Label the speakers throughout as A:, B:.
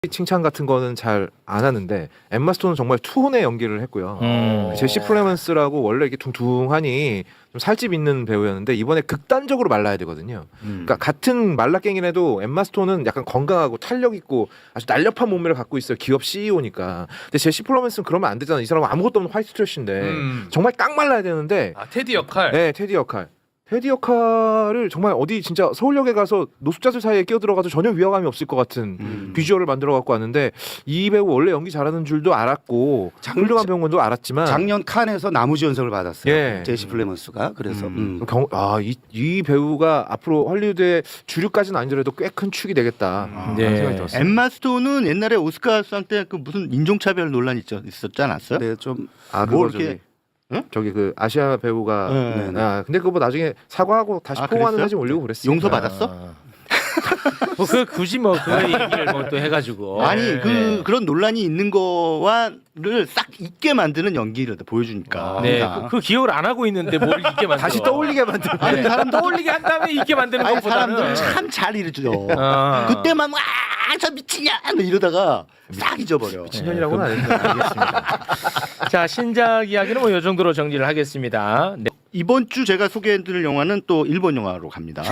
A: 칭찬 같은 거는 잘 안 하는데 엠마 스톤은 정말 투혼의 연기를 했고요. 제시 플레먼스라고 원래 이렇게 둥둥하니 좀 살집 있는 배우였는데 이번에 극단적으로 말라야 되거든요. 그러니까 같은 말라깽이라도 엠마 스톤은 약간 건강하고 탄력 있고 아주 날렵한 몸매를 갖고 있어요. 기업 CEO니까. 근데 제시 플레먼스는 그러면 안 되잖아. 이 사람은 아무것도 없는 화이트 트래쉬인데 정말 딱 말라야 되는데.
B: 아, 테디 역할.
A: 네, 테디 역할. 테디 역할을 정말 어디 진짜 서울역에 가서 노숙자들 사이에 끼어들어가도 전혀 위화감이 없을 것 같은 비주얼을 만들어 갖고 왔는데 이 배우 원래 연기 잘하는 줄도 알았고 훌륭한 배우인 건도 알았지만
C: 작년 칸에서 나무주연상을 받았어요.
A: 예.
C: 제시 플레먼스가. 그래서
A: 이 배우가 앞으로 헐리우드의 주류까지는 아니더라도 꽤 큰 축이 되겠다.
D: 네.
A: 라는 생각이 들었어요.
D: 엠마 스톤은 옛날에 오스카상 때 그 무슨 인종차별 논란 있었지 않았어요?
C: 네, 좀
A: 그거
D: 이렇게-
A: 저기
D: 응?
A: 저기 그 아시아 배우가
D: 네,
C: 네.
A: 근데 그거 뭐 나중에 사과하고 다시 포옹하는
D: 그랬어요?
A: 사진 올리고 그랬어요.
D: 용서 받았어?
E: 뭐 그 굳이 뭐 그 얘기를 뭐 또 해가지고
D: 아니
E: 네.
D: 그런 논란이 있는 거와를 싹 잊게 만드는 연기를 보여주니까.
E: 네,
D: 항상.
E: 그 기억을 안 하고 있는데 뭘 잊게 만들어?
A: 다시 떠올리게 만든.
D: 아니 사람
E: 떠올리게 한 다음에 잊게 만드는
D: 아니
E: 것보다는
D: 사람들 참 잘 이루죠.
E: 아.
D: 그때만 저 미치냐 뭐 이러다가 싹 잊어버려.
A: 친년이라고는 안 했는데 알겠습니다.
E: 자, 신작 이야기는 뭐 이 정도로 정리를 하겠습니다. 네.
D: 이번 주 제가 소개해드릴 영화는 또 일본 영화로 갑니다.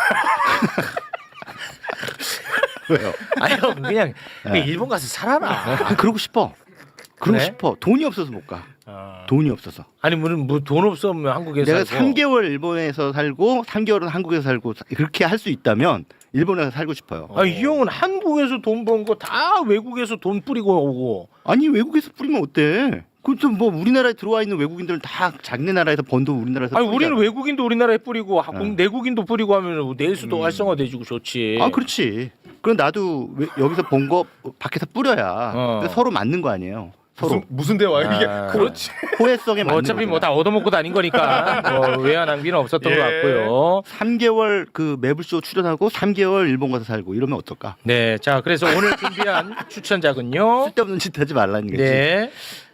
D: 왜요?
E: 아니 형 그냥 일본 가서 살아라.
D: 그러고 싶어. 그러고
E: 그래?
D: 싶어. 돈이 없어서 못 가.
E: 아.
D: 돈이 없어서.
E: 아니 뭐 돈 없으면 한국에서
D: 내가
E: 살고.
D: 3개월 일본에서 살고 3개월은 한국에서 살고 그렇게 할 수 있다면 일본에서 살고 싶어요.
E: 아, 이 형은 한국에서 돈 번 거 다 외국에서 돈 뿌리고 오고.
D: 아니 외국에서 뿌리면 어때? 그것도 뭐 우리나라에 들어와 있는 외국인들은 다 자기네 나라에서 번 돈 우리나라에서
E: 아니
D: 뿌리잖아.
E: 우리는 외국인도 우리나라에 뿌리고 내국인도 뿌리고 하면 내수도 활성화돼지고 좋지.
D: 아 그렇지. 그럼 나도 여기서 번 거 밖에서 뿌려야 서로 맞는 거 아니에요. 서로
B: 무슨 대화야 이게?
E: 아.
B: 그렇지.
D: 호혜성에
E: 뭐
D: 맞는
E: 어차피
D: 거잖아.
E: 뭐 다 얻어먹고 다닌 거니까 뭐 외화 낭비는 없었던
B: 예.
E: 것 같고요.
D: 3개월 그 매블쇼 출연하고 3개월 일본 가서 살고 이러면 어떨까?
E: 네, 자 그래서 오늘 준비한 추천작은요.
D: 쓸데없는 짓 하지 말라는 거지.
E: 네,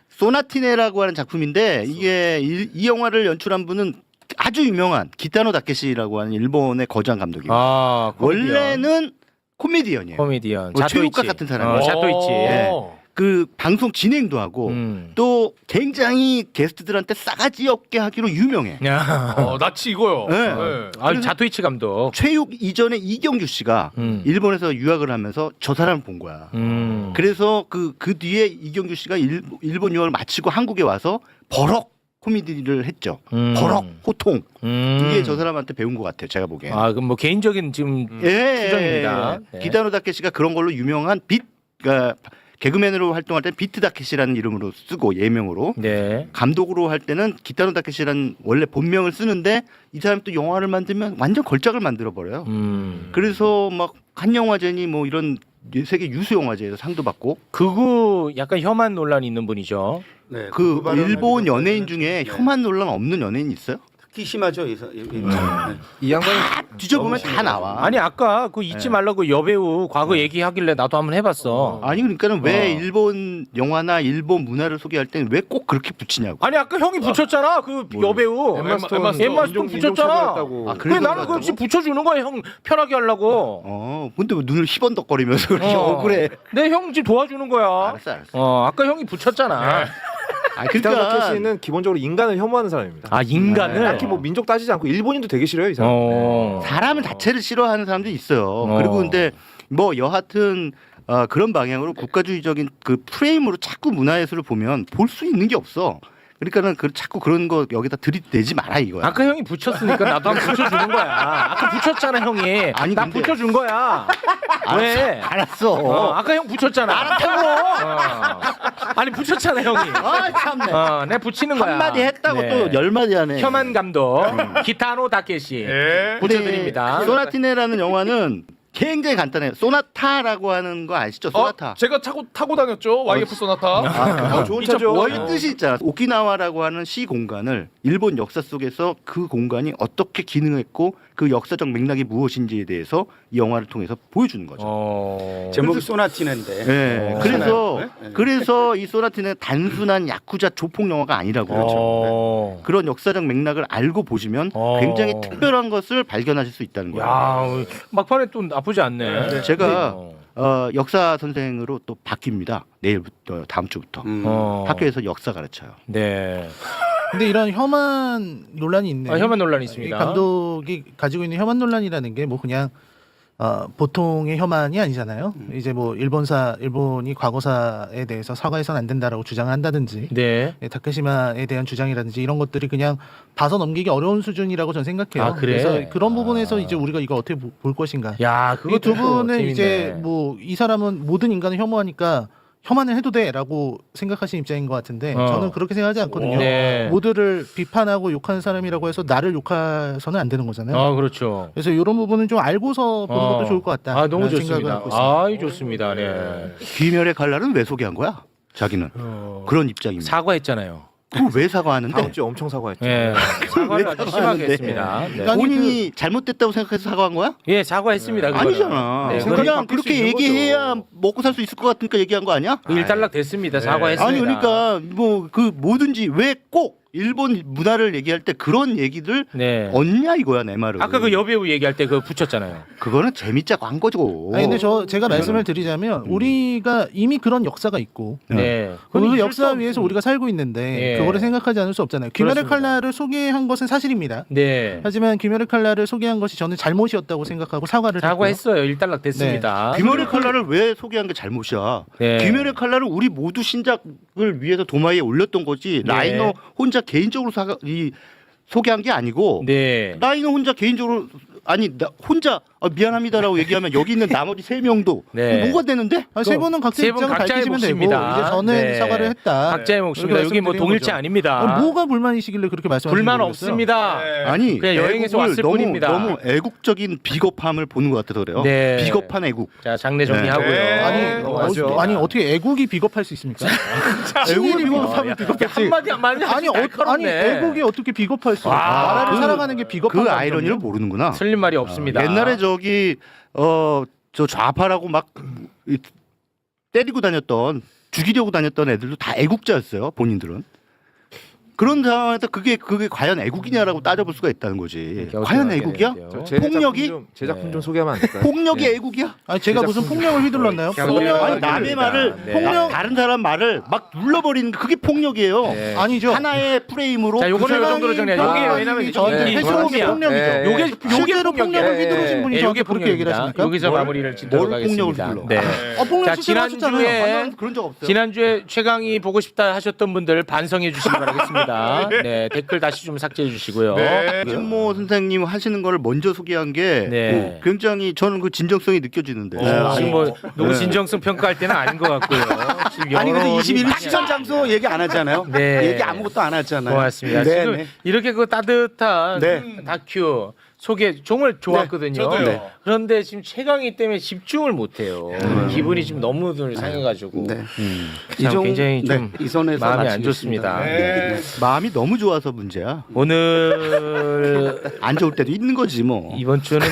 D: 소나티네라고 하는 작품인데 이게 이 영화를 연출한 분은 아주 유명한 기타노 다케시라고 하는 일본의 거장 감독이에요.
E: 아
D: 원래는 코미디언이에요.
E: 코미디언
D: 뭐
E: 자토이치.
D: 최욱가 같은 사람이에요.
E: 자토이치.
D: 네. 그 방송 진행도 하고 또 굉장히 게스트들한테 싸가지 없게 하기로 유명해.
E: 야.
B: 나치 이거요.
D: 네.
E: 아,
D: 그래서
E: 자토이치 감독.
D: 최욱 이전에 이경규 씨가 일본에서 유학을 하면서 저 사람을 본 거야. 그래서 그 뒤에 이경규 씨가 일본 유학을 마치고 한국에 와서 버럭 코미디를 했죠. 버럭 호통. 이게 저 사람한테 배운 것 같아요. 제가 보기엔.
E: 아, 그럼 뭐 개인적인 지금
D: 예,
E: 추정입니다. 네.
D: 기타노 다케시가 그런 걸로 유명한 그러니까 개그맨으로 활동할 때는 비트 다케시라는 이름으로 쓰고 예명으로
E: 네.
D: 감독으로 할 때는 기타노 다케시라는 원래 본명을 쓰는데 이 사람이 또 영화를 만들면 완전 걸작을 만들어 버려요. 그래서 막 한영화제니 뭐 이런 세계 유수 영화제에서 상도 받고
E: 그거 약간 혐한 논란이 있는 분이죠.
C: 네,
D: 그
C: 발언을
D: 일본
C: 가지고
D: 연예인
C: 네.
D: 중에 혐한 논란 없는 연예인 있어요?
C: 특히 심하죠. 네.
A: 이 양반이
D: 뒤져보면 다 나와.
E: 아니 아까 그 잊지 말라고 여배우 과거 얘기하길래 나도 한번 해봤어.
D: 아니 그러니까는 왜 일본 영화나 일본 문화를 소개할 때는 왜 꼭 그렇게 붙이냐고.
E: 아니 아까 형이 붙였잖아 그 여배우
B: 엠마 스톤.
E: 엠마 스톤 붙였잖아.
D: 아,
E: 그래 나는
D: 그래서
E: 그렇지 붙여주는 거야 형 편하게 하려고.
D: 근데 왜 눈을 희번덕거리면서 그렇게
E: 어.
D: 억울해.
E: 내 형 지금 도와주는 거야.
D: 알았어.
E: 아까 형이 붙였잖아.
D: 아,
A: 기타노
D: 그러니까
A: 다케시는 기본적으로 인간을 혐오하는 사람입니다.
E: 아 인간을.
A: 딱히 뭐 민족 따지지 않고 일본인도 되게 싫어요 이 사람.
D: 사람을 자체를 싫어하는 사람도 있어요.
E: 어.
D: 그리고 근데 뭐 여하튼 그런 방향으로 국가주의적인 그 프레임으로 자꾸 문화예술을 보면 볼 수 있는 게 없어. 그러니까는 자꾸 그런 거 여기다 들이대지 마라 이거야.
E: 아까 형이 붙였으니까 나도 한번 붙여주는 거야. 아까 붙였잖아 형이.
D: 아니,
E: 나
D: 근데-
E: 붙여준 거야. 왜?
D: 알았어.
E: 아까 형 붙였잖아. 알았다고. 아니 붙였잖아 형이.
D: 아 참네.
E: 내 붙이는 거야.
D: 한마디 했다고
E: 네.
D: 또 10마디 하네.
E: 혐한 감독 기타노 다케시
B: 예.
E: 붙여드립니다.
D: 소나티네라는 영화는 굉장히 간단해요. 소나타라고 하는 거 아시죠? 소나타.
B: 제가 타고 다녔죠. YF 소나타.
A: 좋은
D: 이쪽
A: 차죠.
D: 원래 뜻이 있잖아. 오키나와라고 하는 시 공간을 일본 역사 속에서 그 공간이 어떻게 기능했고 그 역사적 맥락이 무엇인지에 대해서 이 영화를 통해서 보여주는 거죠.
C: 제목이 소나티네인데.
D: 네. 그래서 이 소나티는 단순한 야쿠자 조폭 영화가 아니라고 그러죠. 그런 역사적 맥락을 알고 보시면 굉장히 특별한 것을 발견하실 수 있다는 거예요.
E: 야 막판에 또 나쁘지 않네.
D: 제가 역사 선생으로 또 바뀝니다. 내일부터 다음 주부터 학교에서 역사 가르쳐요.
E: 네.
F: 근데 이런 혐한 논란이 있네.
E: 혐한 논란이
F: 이
E: 있습니다.
F: 감독이 가지고 있는 혐한 논란이라는 게 뭐 그냥 보통의 혐한이 아니잖아요. 이제 뭐 일본이 과거사에 대해서 사과해서는 안 된다라고 주장을 한다든지,
E: 네.
F: 다케시마에 대한 주장이라든지 이런 것들이 그냥 봐서 넘기기 어려운 수준이라고 저는 생각해요.
E: 아, 그래?
F: 그래서 그런 부분에서 이제 우리가 이거 어떻게 볼 것인가.
E: 야,
F: 이 두 분은
E: 재밌네.
F: 이제 뭐 이 사람은 모든 인간을 혐오하니까 혐한을 해도 돼라고 생각하시는 입장인 것 같은데 저는 그렇게 생각하지 않거든요.
E: 네.
F: 모두를 비판하고 욕하는 사람이라고 해서 나를 욕해서는 안 되는 거잖아요.
E: 그렇죠.
F: 그래서 이런 부분은 좀 알고서 보는 것도 좋을 것 같다.
E: 너무
F: 라는 생각을
E: 좋습니다.
F: 갖고 있습니다.
E: 이 좋습니다. 네.
D: 귀멸의 칼날은 왜 소개한 거야? 자기는 그런 입장입니다.
E: 사과했잖아요.
D: 그거 왜 사과하는데?
A: 다음 주에 엄청 사과했죠.
E: 예. 사과를 아주 심하게
D: 사과하는데?
E: 했습니다. 네.
F: 아니,
D: 본인이 잘못됐다고 생각해서 사과한 거야?
E: 예, 사과했습니다. 그거는.
D: 아니잖아.
E: 네,
D: 그냥
A: 바뀔 수
D: 그렇게
A: 있는
D: 얘기해야 먹고 살 수 있을 것 같으니까 얘기한 거 아니야?
E: 일단락 됐습니다. 사과했습니다.
D: 아니 그러니까 뭐 그 뭐든지 왜 꼭 일본 문화를 얘기할 때 그런 얘기들
E: 네.
D: 얻냐 이거야 내 말은.
E: 아까 그 여배우 얘기할 때 그거 붙였잖아요.
D: 그거는 재밌자고 한 거죠.
F: 아니 근데 제가 말씀을 드리자면 우리가 이미 그런 역사가 있고
E: 네.
F: 그 역사 위에서 우리가 살고 있는데
E: 예.
F: 그거를 생각하지 않을 수 없잖아요. 귀멸의
E: 그렇습니다.
F: 칼날을 소개한 것은 사실입니다.
E: 네.
F: 하지만 귀멸의 칼날을 소개한 것이 저는 잘못이었다고 생각하고 사과를 했고요.
E: 사과했어요. 일단락 됐습니다.
D: 귀멸의 칼날을 왜 소개한 게 잘못이야?
E: 네.
D: 귀멸의 칼날은 우리 모두 신작을 위해서 도마에 올렸던 거지.
E: 네.
D: 라이너 혼자 개인적으로 소개한 게 아니고
E: 네.
D: 라이너 혼자 개인적으로 나 혼자 미안합니다라고 얘기하면 여기 있는 나머지 3명도
E: 네.
D: 뭐가 되는데?
F: 세 분은 각자
E: 세 분
F: 입장을
E: 각자의
F: 밝히시면 되고
E: 몫입니다.
F: 이제 저는
E: 네.
F: 사과를 했다.
E: 각자의 몫입니다.
F: 이렇게
E: 여기 뭐
F: 말씀드리는
E: 동일체
F: 거죠.
E: 아닙니다.
F: 뭐가 불만이시길래 그렇게 말씀하시는
E: 불만
F: 거예요?
E: 없습니다.
D: 아니
E: 그냥 여행에서
D: 애국을
E: 왔을
D: 너무,
E: 뿐입니다.
D: 너무 애국적인 비겁함을 보는 것 같아서 그래요.
E: 네.
D: 비겁한 애국.
E: 자, 장례 정리하고요.
B: 네.
A: 맞아.
F: 아니 어떻게 애국이 비겁할 수 있습니까? 애국이 비겁하면 비겁했지.
E: 한마디 한마디
F: 아니 애국이 어떻게 비겁할 수?
E: 아,
F: 나라를
D: 그-
F: 사랑하는 게 비겁한
D: 그
F: 감정이에요?
D: 아이러니를 모르는구나.
E: 틀린 말이 없습니다.
D: 옛날에 저기 저 좌파라고 막 때리고 다녔던 죽이려고 다녔던 애들도 다 애국자였어요. 본인들은. 그런 상황에서 그게 과연 애국이냐라고 따져볼 수가 있다는 거지. 과연 애국이야? 폭력이?
A: 제 작품 좀 소개하면 안 될까요?
D: 폭력이
A: 네.
D: 애국이야?
F: 아니 제가 무슨 폭력을 휘둘렀나요?
E: 그냥
F: 폭력
D: 아니 남의 말을
E: 네.
D: 다른 사람 말을 막 눌러버리는 그게 폭력이에요.
E: 네.
F: 아니죠.
D: 하나의 프레임으로
E: 자, 요거는
D: 그
E: 요 정도로 정리해요. 요게
F: 사람이
E: 왜냐면
F: 저한테
E: 이게
F: 해소로움이 폭력이죠.
A: 네.
E: 요게
F: 실제로 폭력을
E: 폭력이에요.
F: 휘두르신 분이
E: 예,
F: 저한테
E: 요게
F: 그렇게 얘기를
E: 폭력입니다.
F: 하십니까?
E: 여기서 마무리를 짓도록
D: 뭘 폭력을
E: 하겠습니다.
D: 휘둘러?
E: 네.
F: 폭력
E: 자,
F: 실제로 하셨잖아요.
E: 지난주에
D: 나는 그런 적 없어요.
E: 지난주에 최강이 보고 싶다 하셨던 분들 반성해 주시기 바라겠습니다. 네, 댓글 다시 좀 삭제해 주시고요.
B: 네.
D: 신모 선생님 하시는 거를 먼저 소개한 게
E: 네.
D: 굉장히 저는 그 진정성이 느껴지는데.
E: 지금 뭐 누구 진정성 평가할 때는 아닌 것 같고요. 지금
C: 아니 근데
E: 여론이
C: 21일 시간 장소 얘기 안 하잖아요.
E: 네.
C: 얘기 아무것도 안 하잖아요.
E: 고맙습니다.
C: 네,
E: 지금
C: 네.
E: 이렇게 그 따뜻한
C: 네.
E: 다큐 소개 정말 좋았거든요.
B: 저도요. 네.
E: 그런데 지금 최강희 때문에 집중을 못해요. 기분이 지금 너무 상해가지고
C: 네.
E: 참 굉장히 좀
C: 이 선에서
E: 마음이 안
C: 마치겠습니다.
E: 좋습니다.
B: 네.
D: 마음이 너무 좋아서 문제야.
E: 오늘
D: 안 좋을 때도 있는 거지 뭐.
E: 이번 주는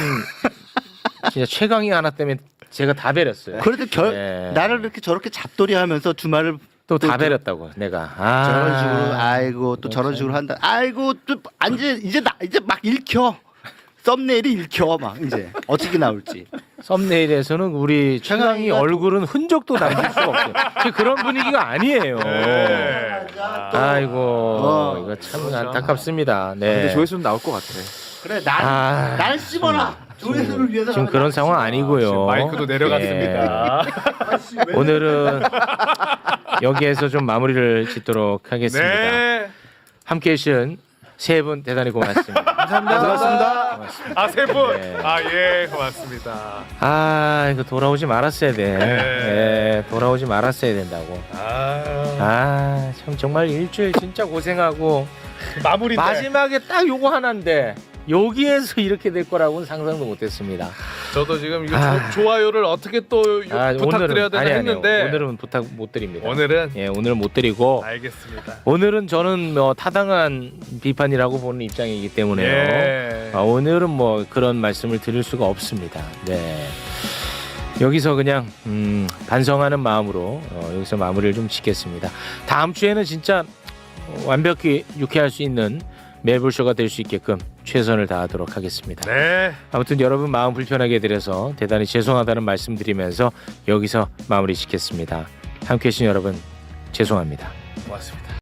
E: 진짜 최강희 하나 때문에 제가 다 베렸어요.
D: 그래도
E: 네.
D: 나를 이렇게 저렇게 잡돌이하면서 주말을
E: 또 다 베렸다고 내가.
D: 저런 식으로 아이고 또 저런 식으로 한다. 아이고 또 이제 막 읽혀. 썸네일이 읽혀 막 이제 어떻게 나올지.
E: 썸네일에서는 우리 최강희
D: 최강희가
E: 얼굴은 흔적도 남길 수가 없어요. 지금 그런 분위기가 아니에요.
B: 네.
E: 아이고 이거 참 안타깝습니다. 네.
A: 근데 조회수는 나올 것 같아.
D: 그래
E: 아,
D: 날 씹어라. 조회수를 위해서.
E: 지금 그런 상황 아니고요.
B: 마이크도 내려갔습니다.
E: 예. 오늘은 여기에서 좀 마무리를 짓도록 하겠습니다.
B: 네.
E: 함께해 주신 세 분 대단히 고맙습니다.
F: 감사합니다.
B: 아, 세 분.
E: 네.
B: 아, 예, 고맙습니다.
E: 아 이거 돌아오지 말았어야 돼. 예, 돌아오지 말았어야 된다고. 아 참 정말 일주일 진짜 고생하고
B: 마무리인데.
E: 마지막에 딱 요거 하나인데 여기에서 이렇게 될 거라고는 상상도 못했습니다.
B: 저도 지금 이거
E: 아.
B: 좋아요를 어떻게 또 부탁드려야 되나 했는데
E: 오늘은 부탁 못 드립니다.
B: 오늘은
E: 예 오늘은 못 드리고
B: 알겠습니다.
E: 오늘은 저는 뭐 타당한 비판이라고 보는 입장이기 때문에요.
B: 예.
E: 오늘은 뭐 그런 말씀을 드릴 수가 없습니다. 네. 여기서 그냥 반성하는 마음으로 여기서 마무리를 좀 짓겠습니다. 다음 주에는 진짜 완벽히 유쾌할 수 있는 매불쇼가 될 수 있게끔 최선을 다하도록 하겠습니다.
B: 네.
E: 아무튼 여러분 마음 불편하게 드려서 대단히 죄송하다는 말씀드리면서 여기서 마무리 짓겠습니다. 함께해 주신 여러분 죄송합니다.
B: 고맙습니다.